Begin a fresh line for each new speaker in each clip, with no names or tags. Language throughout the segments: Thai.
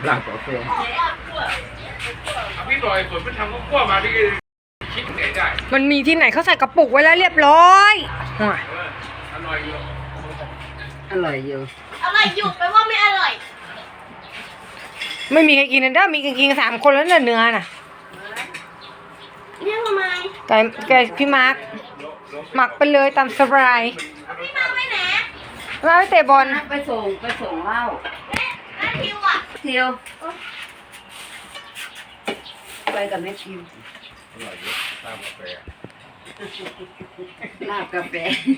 หลังกาแฟพี่ลอยฝนมันทำข้าวคั่วมาที่คิดไหนได้
มันมีที่ไหนเขาใส่กระปุกไว้แล้วเรียบร้อย
อร่อยอยู่
อร่อยอยู่
แปลว่าไม่อร่อย
ไม่มีใครกินนะเด้อมีกันกิน3 คนแล้วเนี่ยเนื้อน่ะ
เรียกทำไม
ไก่พี่มาร์คหมักไปเลยตามสบาย
พี่มาไปไหน
มาไปเตะบอล
ไปส่งเหล้า
แล้วทิวอ่ะ
ทิวไปกับแม่ทิว
อร่อยเยอะตามกาแฟ
ลาบกาแฟ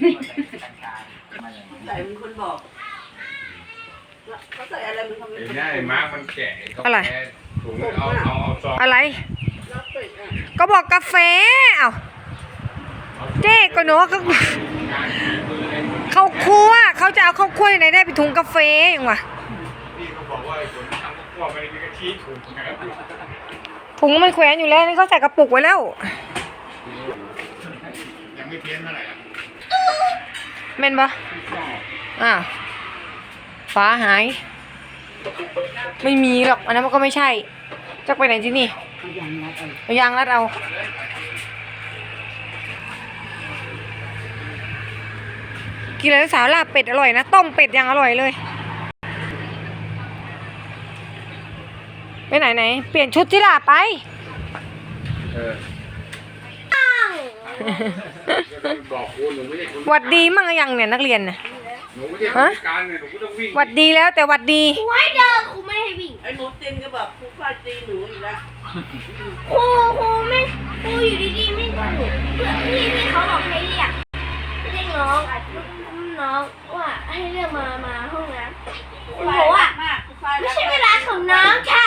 ใส่เป็นคนบอกเขาใส่อะไรมันทำ
ไอ้มาร์กมันแก่อะไรถุงเอาซอง
อะไรก็บอกกาแฟเอ้าเจ๊ก็เนาะเขาคั่วเขาจะเอาข้าวคั่วไหนได้ไปถุงกาแฟอย่างวะ
พี่เขาบอกว่าคนทำข้าวคั่วไปมีกะทิ
ถุงมันแขวนอยู่แล้วนี่เขาใส่กระปุกไว้แล้ว
ยังไม่เพี้ยนเท่าไหร่
เม่นปะอ้าวฟ้าหายไม่มีหรอกอันนั้นมันก็ไม่ใช่จะไปไหนที่นี่เอายางรัดเอากินอะไรสาวลาบเป็ดอร่อยนะต้มเป็ดยังอร่อยเลยไปไหนเปลี่ยนชุดที่ลาไปหวัดดีมั่งยังเนี่ยนักเรียนน่ะฮะหวัดดีแล้วแต่หวัดดี
ครูให้เดินครูไม่ให้วิ่ง
ไอ้หนูตีนก็แบบครูฟาดตีหนูอีกแล้ว
ครูไม่ครูอยู่ดีๆไม่หนูเพื่อนพี่เขาบอกให้เรียกน้องว่าให้เรียกมาห้องน้ำครูบอกว่าไม่ใช่เวลาของน้องค่ะ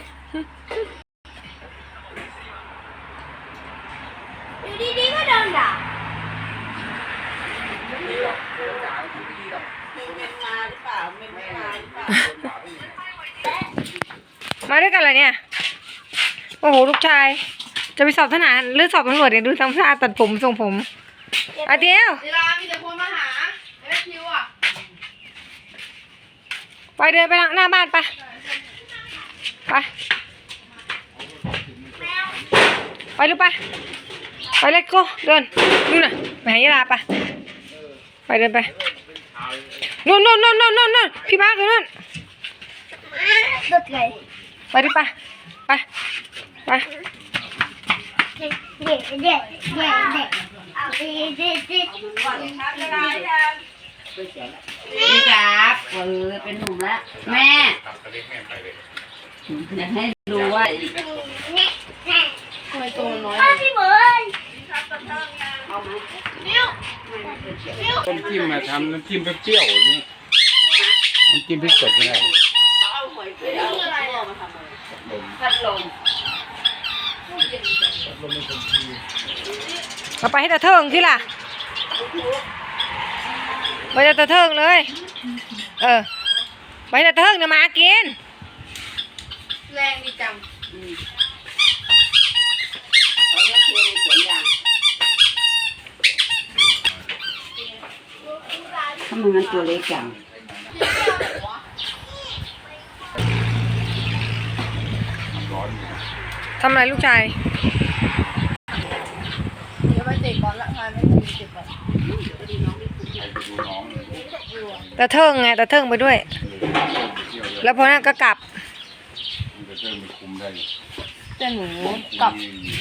อยู่ดีๆก็โดนด่า
มาด้วยกันเลยเนี่ยโอ้โหลูกชายจะไปสอบทหารหรือสอบตำรวจเนี่ยดูทำท่าตัดผมทรงผมอาเดียว
เวลามีแต่คนมาหาแม่คิวอ่ะ
ไปเดินไปหน้าบ้านไปหรือไปเล็กโก้เดินนู่นน่ะไปหายาลาไปเดินไปนู่นพี่มาร์คอยู่นู่นไปดิไป
นี่ครับเป็นหนุ่มแล้วแม่อยากให้ดูว่า
ทำไมตัวน้อยพี่เบิร์น
ต้มจิ้มมาทำน้ำจิ้มเปรี้ยวๆนี่น้ำจิ้มพริกสดไม่ได้
พัดลม
เอาไปให้ตาเทิงที่ล่ะไปตาเทิงเลยไปตาเทิงเนี่ยมากิน
แรงดีจัง
ทำไมมันตัวเล็กจัง
ทำอะไรลูกชาย
เดี๋ยวไปเตะบอลละพาไม่ถึง10 บาท
ตาเทิงไงตาเทิงไปด้วยแล้วพอนั้นก็กลับ
จะเทิงไปคุมได้
แต่หนูกลับ